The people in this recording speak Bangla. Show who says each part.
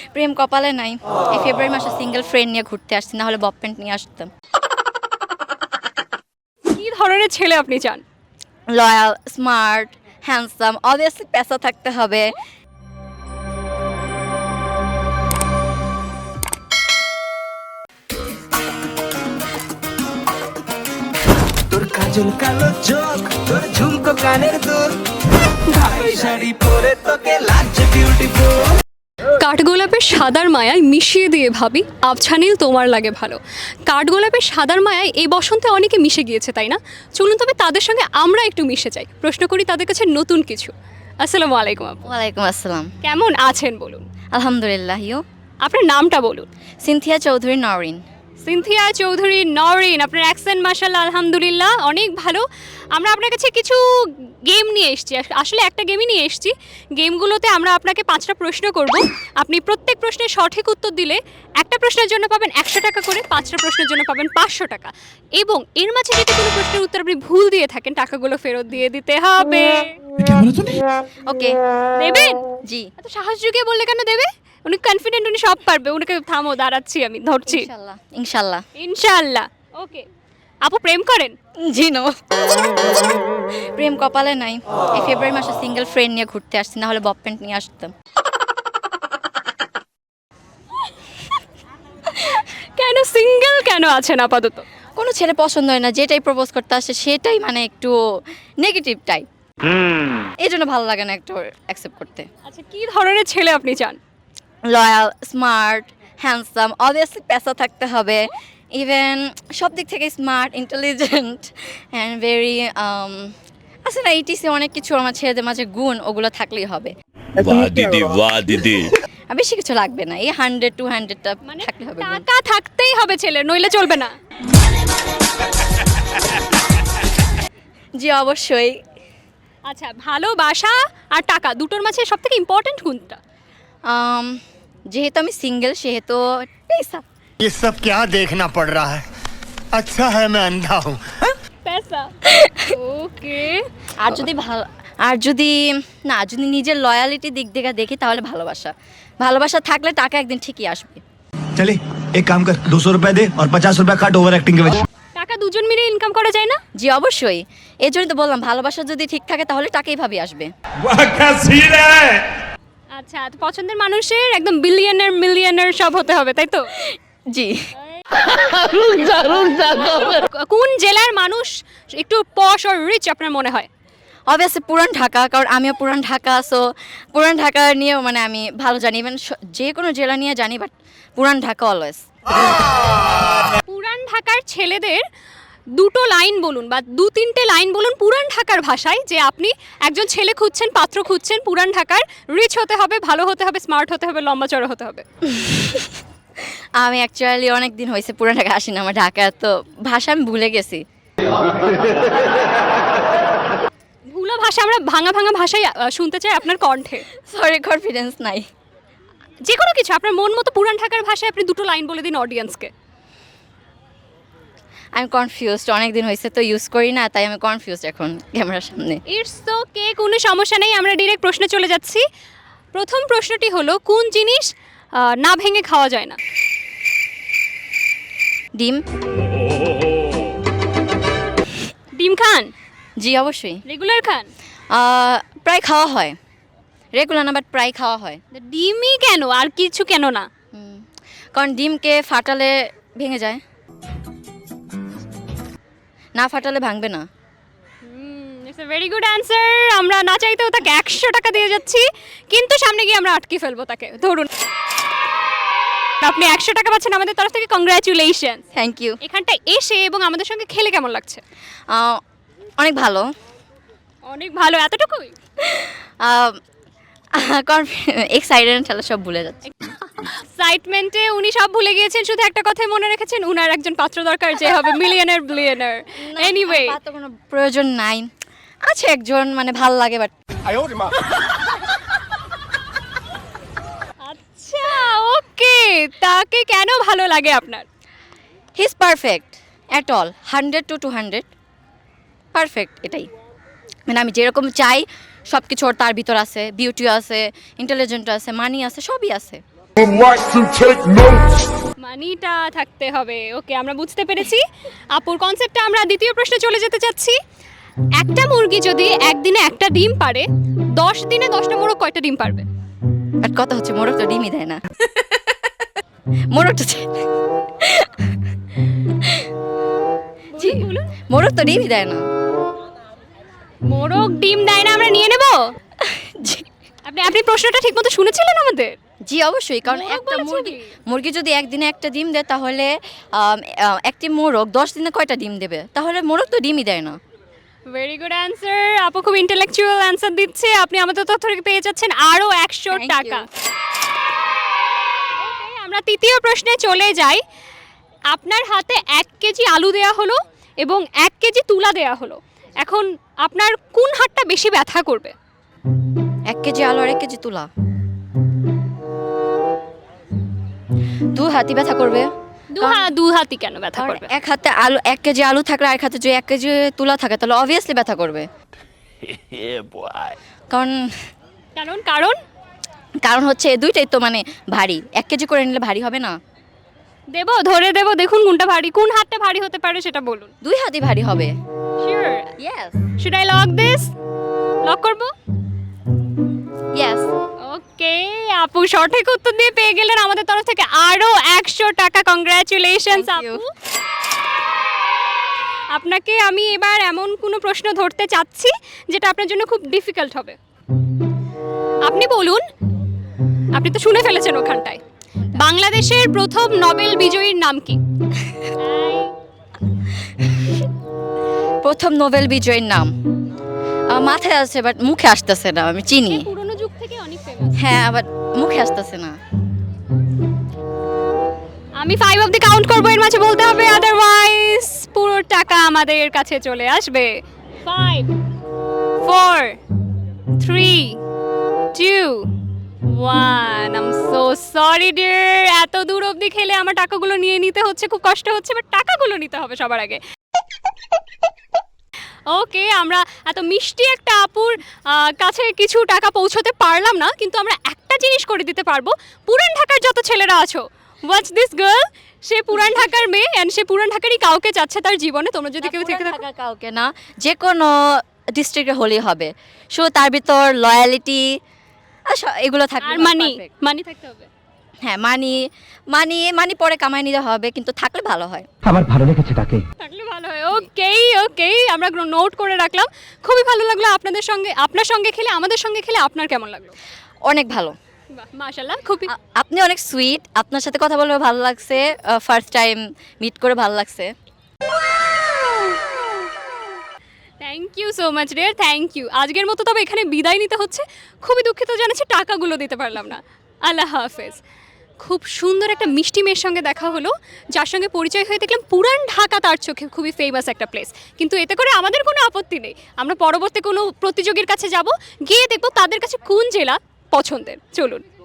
Speaker 1: প্রেম কপালে নাই। এই ফেব্রুয়ারি মাসে সিঙ্গেল ফ্রেন্ড নিয়ে ঘুরতে আসছি, না হলে বব প্যান্ট নিয়ে আসতাম।
Speaker 2: কি ধরনের ছেলে আপনি চান?
Speaker 1: লয়াল, স্মার্ট, হ্যান্ডসাম, অবভিয়াসলি পেশা থাকতে হবে।
Speaker 3: তোর কাজল কালো চোখ, তোর ঝুমকো কানের দুল, ভাই শাড়ি পরে তোকে লাগছে বিউটিফুল।
Speaker 2: কাঠগোলাপের সাদার মায়ায় মিশিয়ে দিয়ে ভাবি আবছা নীল তোমার লাগে ভালো। কাঠগোলাপের সাদার মায়ায় এই বসন্তে অনেকে মিশে গিয়েছে, তাই না? চলুন তবে তাদের সঙ্গে আমরা একটু মিশে যাই, প্রশ্ন করি তাদের কাছে নতুন কিছু। আসসালামু আলাইকুম আপু,
Speaker 1: ওয়ালাইকুম আসসালাম।
Speaker 2: কেমন আছেন বলুন?
Speaker 1: আলহামদুলিল্লাহ। ইউ?
Speaker 2: আপনার নামটা বলুন।
Speaker 1: সিনথিয়া চৌধুরী নরিন।
Speaker 2: সিনথিয়া চৌধুরী নরিন, আপনার অ্যাকসেন্ট মাশাআল্লাহ আলহামদুলিল্লাহ অনেক ভালো। আমরা আপনার কাছে কিছু গেম নিয়ে এসেছি, আসলে একটা গেমই নিয়ে এসেছি। গেমগুলোতে আমরা আপনাকে 5টা প্রশ্ন করব, আপনি প্রত্যেক প্রশ্নের সঠিক উত্তর দিলে একটা প্রশ্নের জন্য পাবেন 100 টাকা করে, 5টা প্রশ্নের জন্য পাবেন 500 টাকা, এবং এর মাঝে যদি কোনো প্রশ্নের উত্তর আপনি ভুল দিয়ে থাকেন টাকাগুলো ফেরত দিয়ে দিতে হবে।
Speaker 1: ওকে।
Speaker 2: দেবেন?
Speaker 1: জি।
Speaker 2: এত সাহস জুগিয়ে বললে কেন দেবে? উনি কনফিডেন্ট, উনি সব পারবে। উনাকে থামো, দাঁড়াচ্ছি, আমি ধরছি।
Speaker 1: ইনশাল্লাহ ইনশাল্লাহ।
Speaker 2: ইনশাআল্লাহ। ওকে আপু, প্রেম করেন?
Speaker 1: জি নো। প্রেম কপালে নাই। এই ফেব্রুয়ারি মাসে সিঙ্গেল ফ্রেন্ড নিয়ে ঘুরতে আসছি, না হলে বব প্যান্ট নিয়ে আসতাম।
Speaker 2: কেন সিঙ্গেল কেন আছেন আপাতত?
Speaker 1: কোনো ছেলে পছন্দ হয় না, যেটাই প্রপোজ করতে আসে সেটাই মানে একটু নেগেটিভ টাইপ, এই জন্য ভালো লাগে না একটু অ্যাকসেপ্ট করতে।
Speaker 2: আচ্ছা, কি ধরনের ছেলে আপনি চান?
Speaker 1: লয়াল, স্মার্ট, হ্যান্ডসাম, অবভিয়াসলি পেশা থাকতে হবে। ইভেন সব দিক থেকে স্মার্ট, ইন্টেলিজেন্ট অ্যান্ড ভেরি আছে না ইটিসি, অনেক কিছু আমার ছেলেদের মাঝে গুণ, ওগুলো থাকলেই হবে।
Speaker 4: वाह दीदी वाह दीदी।
Speaker 1: আর বেশি কিছু লাগবে না, এই 100-200টা
Speaker 2: মানে
Speaker 1: থাকলে হবে গুণ।
Speaker 2: টাকা থাকতেই হবে ছেলে, নইলে চলবে না।
Speaker 1: জি অবশ্যই।
Speaker 2: আচ্ছা, ভালোবাসা আর টাকা দুটোর মাঝে সবথেকে ইম্পর্টেন্ট কোনটা?
Speaker 1: যেহেতু আমি সিঙ্গেল সেহেতু পেশা।
Speaker 5: ये सब क्या देखना पड़ रहा है? अच्छा है मैं अंधा हूँ।
Speaker 2: পেশা। ওকে।
Speaker 1: আর যদি ভালো, আর যদি না, যদি নিজের লয়ালিটি দিক থেকে দেখি তাহলে ভালোবাসা। ভালোবাসা থাকলে টাকা একদিন ঠিকই আসবে।
Speaker 3: चले एक काम कर, 200 रुपए दे और 50 रुपए काट ओवर एक्टिंग के वजह।
Speaker 2: টাকা দুজন মিলে ইনকাম করা যায় না?
Speaker 1: জি অবশ্যই, এই জন্যই তো বললাম ভালোবাসা যদি ঠিক থাকে তাহলে টাকাই ভাবি আসবে।
Speaker 4: वाह क्या सीन है।
Speaker 2: আচ্ছা, তো পছন্দের মানুষের একদম বিলিয়নার মিলিয়নার সব হতে হবে, তাই তো?
Speaker 1: জি।
Speaker 2: কোন জেলার মানুষ একটু পশ আর রিচ আপনার মনে হয়?
Speaker 1: অবভিয়াসলি পুরান ঢাকা, কারণ আমিও পুরান ঢাকা, সো পুরান ঢাকা নিয়েও মানে আমি ভালো জানি। ইভেন যে কোনো জেলা নিয়ে জানি, বাট পুরান ঢাকা অলওয়েজ।
Speaker 2: পুরান ঢাকার ছেলেদের দুটো লাইন বলুন বা 2-3টে লাইন বলুন পুরান ঢাকার ভাষায়, যে আপনি একজন ছেলে খুঁজছেন, পাত্র খুঁজছেন পুরান ঢাকার, রিচ হতে হবে, ভালো হতে হবে, স্মার্ট হতে হবে, লম্বা চড়া হতে হবে।
Speaker 1: আমি অ্যাকচুয়ালি অনেক দিন হয়েছে পুরান ঢাকা আসি না, আমার ঢাকা তো ভাষা আমি ভুলে গেছি।
Speaker 2: ভুলো ভাষা আমরা ভাঙা ভাঙা ভাষায় শুনতে চাই আপনার কণ্ঠে।
Speaker 1: সরি, কনফিডেন্স নাই।
Speaker 2: যে কোনো কিছু আপনার মন মতো পুরান ঢাকার ভাষায় আপনি দুটো লাইন বলে দিন অডিয়েন্সকে।
Speaker 1: আমি কনফিউজড, অনেক দিন হয়েছে তো ইউজ করি না, তাই আমি কনফিউজড এখন ক্যামেরার সামনে।
Speaker 2: ইটস ওকে, কোনো সমস্যা নেই, আমরা ডিরেক্ট প্রশ্নে চলে যাচ্ছি। প্রথম প্রশ্নটি হলো, কোন জিনিস না ভেঙে খাওয়া যায় না?
Speaker 1: ডিম।
Speaker 2: ডিম খান?
Speaker 1: জি অবশ্যই।
Speaker 2: রেগুলার খান?
Speaker 1: প্রায় খাওয়া হয়, রেগুলার না বাট প্রায় খাওয়া হয়।
Speaker 2: ডিমই কেন, আর কিছু কেন না?
Speaker 1: কারণ ডিমকে ফাটালে ভেঙে যায়, না ফাটালে ভাঙবে না।
Speaker 2: It's a very good answer. আমরা না চাইতেও তাকে 100 টাকা দিয়ে যাচ্ছি, কিন্তু সামনে গিয়ে আমরা আটকে ফেলবো তাকে। ধরুন, আপনি 100 টাকা পাচ্ছেন আমাদের তরফ থেকে, কংগ্রাচুলেশন।
Speaker 1: Thank you.
Speaker 2: এখানটা এসে এবং আমাদের সঙ্গে খেলে কেমন লাগছে?
Speaker 1: অনেক ভালো।
Speaker 2: অনেক ভালো, এতটুকুই?
Speaker 1: এক্সাইটেড হলে সব ভুলে যাচ্ছে।
Speaker 2: এক্সাইটমেন্টে উনি সব ভুলে গিয়েছেন, শুধু একটা কথাই মনে রেখেছেন, উনার একজন পাত্র দরকার যে হবে মিলিয়নার বিলিয়নার। এনিওয়ে,
Speaker 1: তো কোনো প্রয়োজন নাই, আছে একজন মানে ভাল লাগে বাট।
Speaker 2: আচ্ছা ওকে, তাকে কেন ভালো লাগে আপনার?
Speaker 1: He is perfect at all, 100-200 perfect, এটাই মানে আমি যেরকম চাই সব কিছু তার ভিতর আছে। বিউটিও আছে, ইন্টেলিজেন্ট আছে, মানি আছে, সবই আছে।
Speaker 6: would like to take notes.
Speaker 2: মানিটা থাকতে হবে। ওকে, আমরা বুঝতে পেরেছি আপুর কনসেপ্টটা। আমরা দ্বিতীয় প্রশ্নে চলে যেতে চাচ্ছি। একটা মুরগি যদি একদিনে একটা ডিম পারে, 10 দিনে 10টা মোরগ কয়টা ডিম পারবে?
Speaker 1: আর কথা হচ্ছে মোরগ তো ডিমই দেয় না। মোরগ তো জি,
Speaker 2: বলুন।
Speaker 1: মোরগ তো ডিমই দেয় না।
Speaker 2: মোরগ ডিম দেয় না, আমরা নিয়ে নেব।
Speaker 1: জি,
Speaker 2: আপনি প্রশ্নটা ঠিকমতো শুনেছিলেন আমাদের?
Speaker 1: জি অবশ্যই, কারণ
Speaker 2: মোরগ
Speaker 1: একটা
Speaker 2: বলেছে
Speaker 1: মুরগি
Speaker 2: কি?
Speaker 1: মুরগি যদি একদিনে একটা ডিম দেয় তাহলে একটি মোরগ 10 দিনে কয়টা ডিম দেবে? তাহলে মোরগ তো ডিমই দেয় না।
Speaker 2: Very good answer. আপু খুব ইন্টেলেকচুয়াল অ্যান্সার দিচ্ছে। আপনি আমাদের তথ্য থেকে পেয়ে যাচ্ছেন আরও 100
Speaker 1: Thank
Speaker 2: টাকা।
Speaker 1: you.
Speaker 2: Okay, আমরা তৃতীয় প্রশ্নে চলে যাই। আপনার হাতে 1 কেজি আলু দেয়া হলো এবং 1 কেজি তুলা দেয়া হলো। এখন আপনার কোন হাতটা বেশি ব্যথা করবে?
Speaker 1: 1 কেজি আলু আর 1 কেজি তুলা, দু হাতই ব্যথা করবে।
Speaker 2: দু হাতই কেন ব্যথা
Speaker 1: কারণ
Speaker 2: করবে?
Speaker 1: এক হাতে আলু 1 কেজি আলু থাকলে আর এক হাতে যদি 1 কেজি তুলা থাকে তাহলে অবভিয়াসলি ব্যথা করবে। কারণ
Speaker 2: কারণ কারণ
Speaker 1: কারণ হচ্ছে দুইটাই তো মানে ভারী, 1 কেজি করে নিলে ভারী হবে না?
Speaker 2: ধরে দেব, দেখুন কোনটা ভারী, কোন হাতটা ভারী হতে পারে সেটা বলুন।
Speaker 1: দুই হাতই ভারী হবে।
Speaker 2: Sure?
Speaker 1: Yes
Speaker 2: should I lock this? Lock করব?
Speaker 1: ইয়েস।
Speaker 2: ওকে, আপু সঠিক উত্তর দিয়ে পেয়ে গেলেন আমাদের তরফ থেকে আরো 100 টাকা। Congratulations
Speaker 1: Thank you.
Speaker 2: আপু। আপনাকে আমি এবার এমন কোনো প্রশ্ন ধরতে চাচ্ছি যেটা আপনার জন্য খুব ডিফিকাল্ট হবে। আপনি বলুন, আপনি তো শুনে ফেলেছেন ওখানটায়, বাংলাদেশের প্রথম নোবেল বিজয়ীর নাম কি?
Speaker 1: প্রথম নোবেল বিজয়ীর নাম মাথায় আছে বাট মুখে আসতেছে না। আমি চিনি,
Speaker 2: পুরনো যুগ থেকে অনেক ফেমাস।
Speaker 1: হ্যাঁ, বাট মুখে আসতেছে না।
Speaker 2: আমি 5 অবধি কাউন্ট করবো, এর মাঝে বলতে হবে, আদারওয়াইজ পুরো টাকা আমাদের কাছে চলে আসবে। 5 4 3 2 1। I am so sorry dear, এত দূর অবধি খেলে আমার টাকাগুলো নিয়ে নিতে হচ্ছে, খুব কষ্ট হচ্ছে, বাট টাকাগুলো নিতে হবে সবার আগে। ওকে, আমরা এত মিষ্টি একটা আপুর কাছে কিছু টাকা পৌঁছতে পারলাম না, কিন্তু আমরা একটা জিনিস করে দিতে পারবো। পুরান ঢাকার যত ছেলেরা আছো, ওয়াচ দিস গার্ল, সে পুরান ঢাকার মেয়ে অ্যান্ড সে পুরান ঢাকারই কাউকে চাচ্ছে তার জীবনে। তোমরা যদি কেউ থেকে থাকো,
Speaker 1: কাউকে না, যে কোনো ডিস্ট্রিক্টে হলেই হবে। সো তার ভিতর লয়ালিটি এগুলো থাকবে।
Speaker 2: আর মানি থাকতে হবে।
Speaker 1: হ্যাঁ, মানি পরে কামাই নিতে হবে, কিন্তু থাকলে ভালো হয়।
Speaker 5: আমার ভালো লেগেছে তাকে।
Speaker 2: থাকলে ভালো হয়। ওকে, আমরা নোট করে রাখলাম। খুবই ভালো লাগলো আপনার সঙ্গে খেলে। আমাদের সঙ্গে খেলে আপনার কেমন লাগলো?
Speaker 1: অনেক ভালো।
Speaker 2: বাহ, মাশাআল্লাহ, খুবই।
Speaker 1: আপনি অনেক সুইট, আপনার সাথে কথা বলে ভালো লাগছে, ফার্স্ট টাইম মিট করে ভালো লাগছে।
Speaker 2: Thank you so much dear, thank you. আজকের মতো তবে এখানে বিদায় নিতে হচ্ছে। খুবই দুঃখিত জানাচ্ছি টাকাগুলো দিতে পারলাম না। আল্লাহ হাফেজ। খুব সুন্দর একটা মিষ্টি মেয়ের সঙ্গে দেখা হলো, যার সঙ্গে পরিচয় হয়ে দেখলাম পুরান ঢাকা তার চোখে খুবই ফেমাস একটা প্লেস। কিন্তু এতে করে আমাদের কোনো আপত্তি নেই। আমরা পরবর্তী কোনো প্রতিযোগীর কাছে যাব, গিয়ে দেখবো তাদের কাছে কোন জেলা পছন্দের। চলুন।